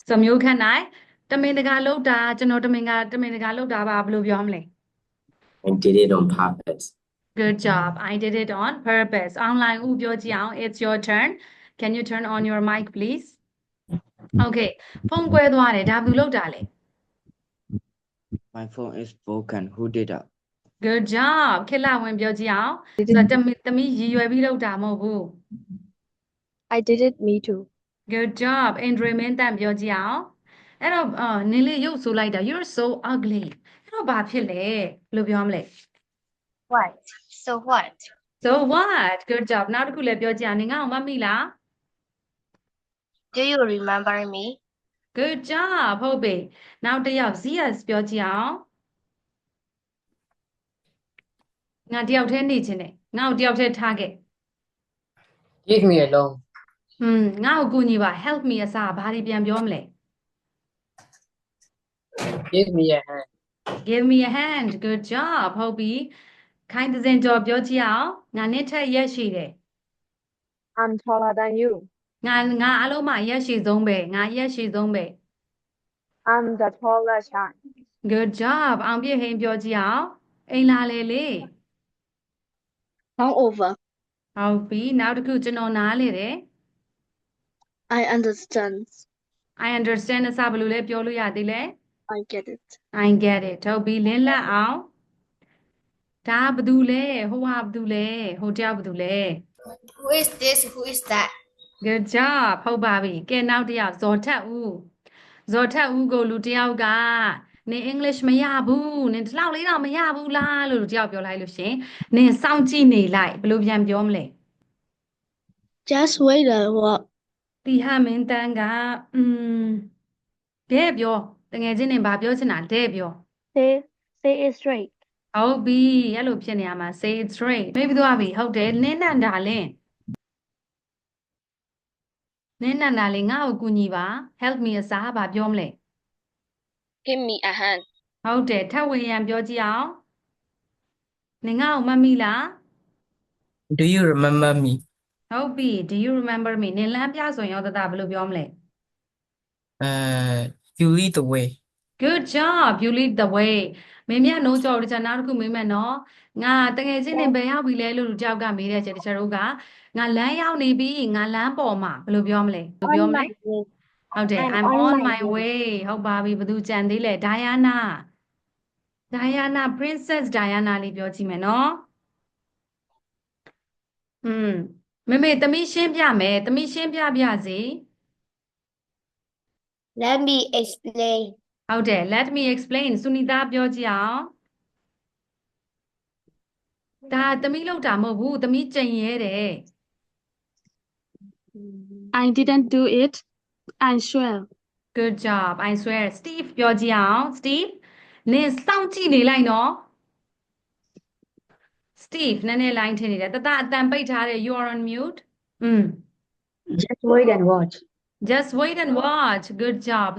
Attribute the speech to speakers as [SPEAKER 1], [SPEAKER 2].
[SPEAKER 1] ဆိုမျိုးခန့်နိုင်တမင်တကာလောက်တာကျွန်တော်တမင်တကာလောက်တာပါဘယ်လိုပြောမလဲ
[SPEAKER 2] I did it on purpose.
[SPEAKER 1] Good job I did it on purpose online ဥပြောကြည့်အောင် it's your turn can you turn on your mic please okay ဖုန်းကွဲသွားတယ်ဒါဘယ်သူလောက်တာလဲ
[SPEAKER 3] My phone is broken. Who did that?
[SPEAKER 1] Good job ခေတ်လာဝင်ပြောကြည့်အောင်ဆိုတော့တမီရည်ရွယ်ပြီးလောက်တာမဟုတ်ဘူး
[SPEAKER 4] I did it, me too.
[SPEAKER 1] Good job အင်ဒရီမင်းတန်ပြောကြည့်အောင်အဲ့တော့နင်းလေးရုပ်ဆိုလိုက်တာ you're so ugly အဲ့တော့ဘာဖြစ်လဲဘယ်လိုပြောမလဲ
[SPEAKER 4] What? So what?
[SPEAKER 1] So what good job နောက်တစ်ခုလည်းပြောကြည့်အောင်နင်ငါ့ကိုမမိလား
[SPEAKER 4] Do you remember me?
[SPEAKER 1] Good job ဟုတ်ပြီနောက်တစ်ယောက် Zias ပြောကြည့်အောင်ငါတယောက်တည်းနေခြင်းနဲ့ငါ့ကိုတယောက်တည်းထားခဲ့
[SPEAKER 5] Leave me alone.
[SPEAKER 1] ငါ့ကိုကူညီပါ help me အစားဘာတွေပြန်ပြောမလဲ
[SPEAKER 5] Give me a hand.
[SPEAKER 1] Give me a hand good job ဟုတ်ပြီခိုင်းတဲ့စင်ကြော်ပြောကြည့်အောင်ငါနဲ့ထက်ရက်ရှိတယ်
[SPEAKER 4] I'm taller than you.
[SPEAKER 1] ငါအလုံးမရက်ရှိဆုံးပဲငါရက်ရှိဆုံးပဲ
[SPEAKER 4] I'm the tallest one.
[SPEAKER 1] Good job အောင်ပြည့်ဟိန်ပြောကြည့်အောင်အိမ်လာလေလေ
[SPEAKER 4] Come over.
[SPEAKER 1] ဟုတ်ပြီနောက်တစ်ခုကျွန်တော်နားလေတယ်
[SPEAKER 4] I understand.
[SPEAKER 1] I understand အစားဘယ်လိုလဲပြောလို့ရသေးလဲ
[SPEAKER 4] I get it.
[SPEAKER 1] I get it ဟုတ်ပြီလင်းလက်အောင်ဒါဘာတူလဲဟိုဟာဘာတူလဲဟိုတယောက်ဘာတူလဲ
[SPEAKER 6] Who is this? Who is that?
[SPEAKER 1] Good job ဟုတ်ပါပြီကဲနောက်တစ်ယောက်ဇော်ထက်ဦးကိုလူတစ်ယောက်ကနင် English မရဘူးနင်ဒီလောက်လေးတော့မရဘူးလားလို့လူတစ်ယောက်ပြောလိုက်လို့ရှင်နင်စောင့်ကြည့်နေလိုက်ဘယ်လိုပြန်ပြောမလဲ
[SPEAKER 4] Just wait a while.
[SPEAKER 1] တီဟမင်းတန်းကတဲ့ပြောတကယ်ချင်းနေဘာပြောချင်တာတဲ့ပြော
[SPEAKER 4] Say it straight.
[SPEAKER 1] ဟုတ်ပြီအဲ့လိုဖြစ်နေရမှာ say it straight မေးပြီးသွားပြီဟုတ်တယ်နင်းနန္ဒာလင်းငါ့ကိုကူညီပါ help me အစားဘာပြောမလဲ
[SPEAKER 4] Give me a hand.
[SPEAKER 1] ဟုတ်တယ်ထပ်ဝင်ရန်ပြောကြည့်အောင်နင်ငါ့ကိုမတ်မိလား
[SPEAKER 5] Do you remember me?
[SPEAKER 1] ဟုတ်ပြီ do you remember me နင်လမ်းပြဆိုရင်ရောတတဘယ်လိုပြောမလဲ
[SPEAKER 5] You lead the way.
[SPEAKER 1] Good job you lead the way မင်းမြတ်နှုံးကြော်တခြားနောက်တစ်ခုမေးမယ်နော်ငါတကယ်ချင်းနေဘယ်ရောက်ပြီလဲလို့လူတယောက်ကမေးတဲ့ချက်တခြားတို့ကငါလမ်းရောက်နေပြီငါလမ်းပေါ်မှာဘယ်လိုပြောမလဲဘယ်လိုပြောမလဲ ဟုတ်တယ် I'm on my way ဟုတ်ပါပြီဘယ်သူကြံသေးလဲ Diana Princess Diana လေးပြောကြည့်မယ်နော်မေသမီးရှင်းပြမယ်သမီးရှင်းပြစေ
[SPEAKER 6] Let me explain.
[SPEAKER 1] ဟုတ်တယ် let me explain ဆုနီတာပြောကြည့်အောင်ဒါသမီးလောက်တာမဟုတ်ဘူးသမီးကြင်ရဲတယ်
[SPEAKER 4] I didn't do it. I swear.
[SPEAKER 1] Good job I swear Steve ပြောကြည့်အောင် Steve နင်စောင့်ကြည့်နေလိုက်နော် Steve နည်းနည်း line ထင်နေတယ်တတအတန်ပိတ်ထားတယ် you are on mute
[SPEAKER 4] Just wait and watch.
[SPEAKER 1] just wait and watch good job